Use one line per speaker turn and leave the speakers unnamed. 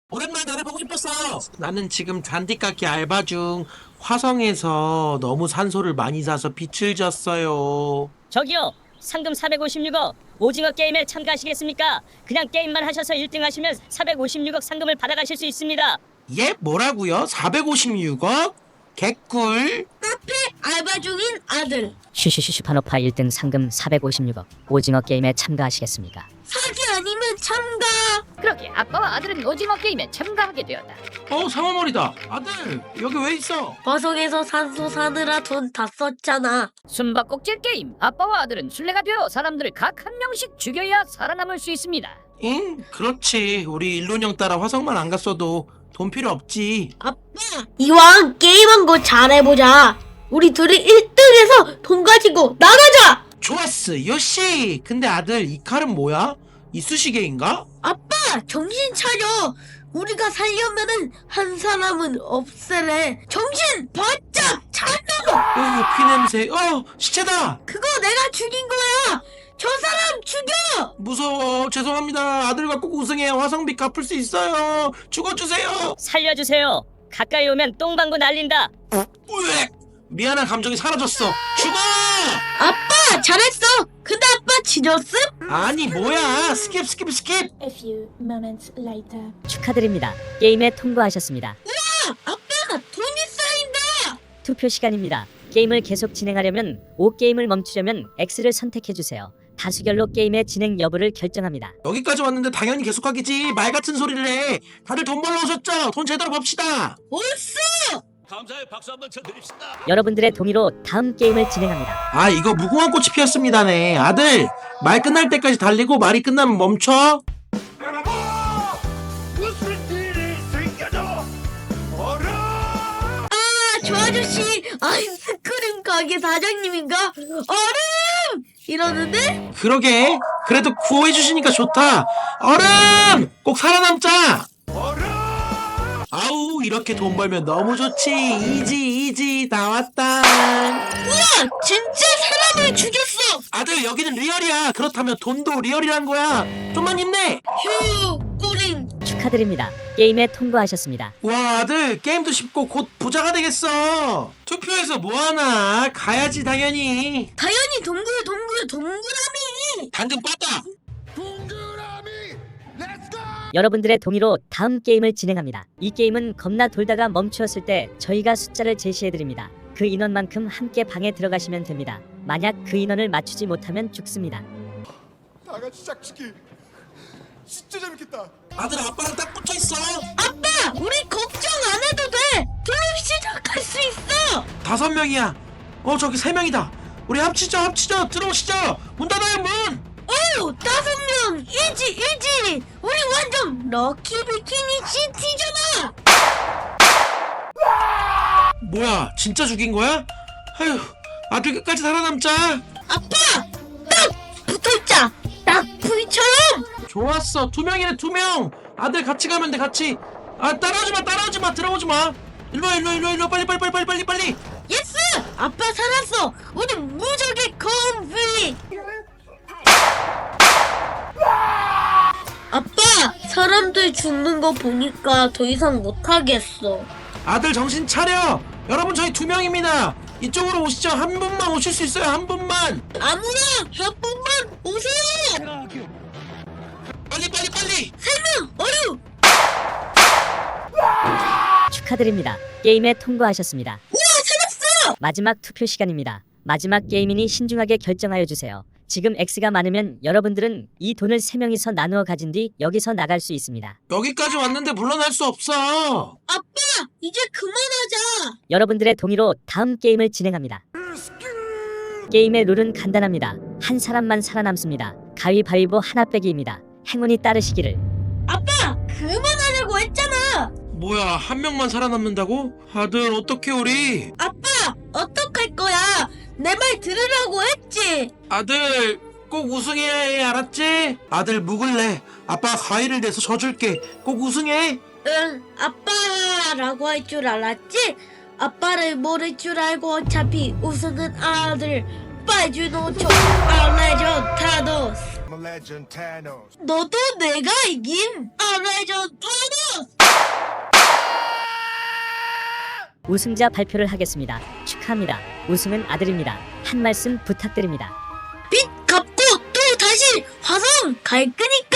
오랜만에 너네 보고 싶었어. 나는 지금 잔디깎기 알바 중 화성에서 너무 산소를 많이 사서 빛을 졌어요.
저기요, 상금 456억 오징어 게임에 참가하시겠습니까? 그냥 게임만 하셔서 1등 하시면 456억 상금을 받아가실 수 있습니다.
예? 뭐라고요? 456억? 개꿀?
카페 알바 중인 아들.
쉬쉬쉬 파노파 1등 상금 456억 오징어 게임에 참가하시겠습니까?
사기 아니면 참가.
그렇게 아빠와 아들은 오징어 게임에 참가하게 되었다.
상어머리다. 아들, 여기 왜 있어?
화성에서 산소 사느라 돈 다 썼잖아.
숨바꼭질 게임. 아빠와 아들은 술래가 되어 사람들을 각 한 명씩 죽여야 살아남을 수 있습니다.
응, 그렇지. 우리 일론형 따라 화성만 안 갔어도 돈 필요 없지.
아빠, 이왕 게임한 거 잘해보자. 우리 둘이 1등해서 돈 가지고 나가자.
좋았어, 요시. 근데 아들, 이 칼은 뭐야? 이쑤시개인가?
아빠, 정신 차려. 우리가 살려면은 한 사람은 없애래. 정신 바짝 차려.
피냄새. 시체다.
그거 내가 죽인 거야. 저 사람 죽여.
무서워. 죄송합니다. 아들과 꼭 우승해 화성비 갚을 수 있어요. 죽어주세요.
살려주세요. 가까이 오면 똥방구 날린다.
으악! 미안한 감정이 사라졌어. 죽어!
아빠, 잘했어. 근데 아빠 지졌음?
아니 뭐야. 스킵.
A few moments later.
축하드립니다. 게임에 통과하셨습니다.
아빠, 돈이 쌓인다.
투표 시간입니다. 게임을 계속 진행하려면 O 게임을 멈추려면 X를 선택해주세요. 다수결로 게임의 진행 여부를 결정합니다.
여기까지 왔는데 당연히 계속하겠지. 말 같은 소리를 해. 다들 돈 벌러 오셨죠? 돈 제대로 봅시다.
옳소.
감사의 박수 한번 쳐드립시다.
여러분들의 동의로 다음 게임을 진행합니다.
아, 이거 무궁화 꽃이 피었습니다네. 아들, 말 끝날 때까지 달리고 말이 끝나면 멈춰.
여러분, 무슨 일이 생겨도 어라.
저 아저씨 아이스크림 가게 사장님인가? 얼음! 이러는데?
그러게. 그래도 구호해 주시니까 좋다. 얼음! 꼭 살아남자. 아우, 이렇게 돈 벌면 너무 좋지. 이지 나왔다.
우와, 진짜 사람을 죽였어.
아들, 여기는 리얼이야. 그렇다면 돈도 리얼이란 거야. 좀만 힘내.
휴, 꼬링.
축하드립니다. 게임에 통과하셨습니다.
와, 아들, 게임도 쉽고 곧 부자가 되겠어. 투표해서 뭐하나. 가야지 당연히.
당연히 동그라미.
당근 빠다.
동그라미, 렛츠고.
여러분들의 동의로 다음 게임을 진행합니다. 이 게임은 겁나 돌다가 멈추었을 때 저희가 숫자를 제시해드립니다. 그 인원만큼 함께 방에 들어가시면 됩니다. 만약 그 인원을 맞추지 못하면 죽습니다.
다 같이 짝짓기. 진짜 재밌겠다.
아들, 아빠랑 딱 붙어있어.
아빠, 우리 걱정 안 해도 돼. 게임 시작할 수 있어.
5명이야. 저기 3명이다. 우리 합치죠. 들어오시죠. 문 닫아요, 문.
오, 5명. 이지. 우리 완전 럭키 비키니 시티잖아.
뭐야, 진짜 죽인 거야? 아휴, 아들 끝까지 살아남자.
아빠, 딱 붙어있자. 딱 V처럼.
좋았어. 2명이네, 2명. 아들 같이 가면 돼, 같이. 아, 따라오지 마. 들어오지 마. 일로 빨리.
예스! 아빠 살았어. 우리 무적의 컴비. 아빠, 사람들 죽는 거 보니까 더 이상 못하겠어.
아들 정신 차려. 여러분, 저희 2명입니다. 이쪽으로 오시죠. 한 분만 오실 수 있어요. 한 분만.
아무나 한 분만 오세요.
빨리.
3명 어류.
축하드립니다. 게임에 통과하셨습니다.
우와, 살았어.
마지막 투표 시간입니다. 마지막 게임이니 신중하게 결정하여 주세요. 지금 X가 많으면 여러분들은 이 돈을 3명이서 나누어 가진 뒤 여기서 나갈 수 있습니다.
여기까지 왔는데 물러날 수 없어.
아빠, 이제 그만하자.
여러분들의 동의로 다음 게임을 진행합니다. 게임의 룰은 간단합니다. 한 사람만 살아남습니다. 가위바위보 하나 빼기입니다. 행운이 따르시기를.
아빠, 그만하려고 했잖아.
뭐야, 한 명만 살아남는다고? 아들, 어떡해 우리?
아빠, 어떡할 거야? 내 말 들으라고 했지.
아들, 꼭 우승해야 해, 알았지? 아들, 묵을래. 아빠 가위를 내서 져줄게. 꼭 우승해.
응, 아빠라고 할 줄 알았지? 아빠를 모를 줄 알고 어차피 우승은 아들. 빠주노초 알레전 타노스.
레전드 타노스.
너도 내가 이긴 알레전 타노스.
우승자 발표를 하겠습니다. 축하합니다. 우승은 아들입니다. 한 말씀 부탁드립니다.
빚 갚고 또 다시 화성 갈 거니까.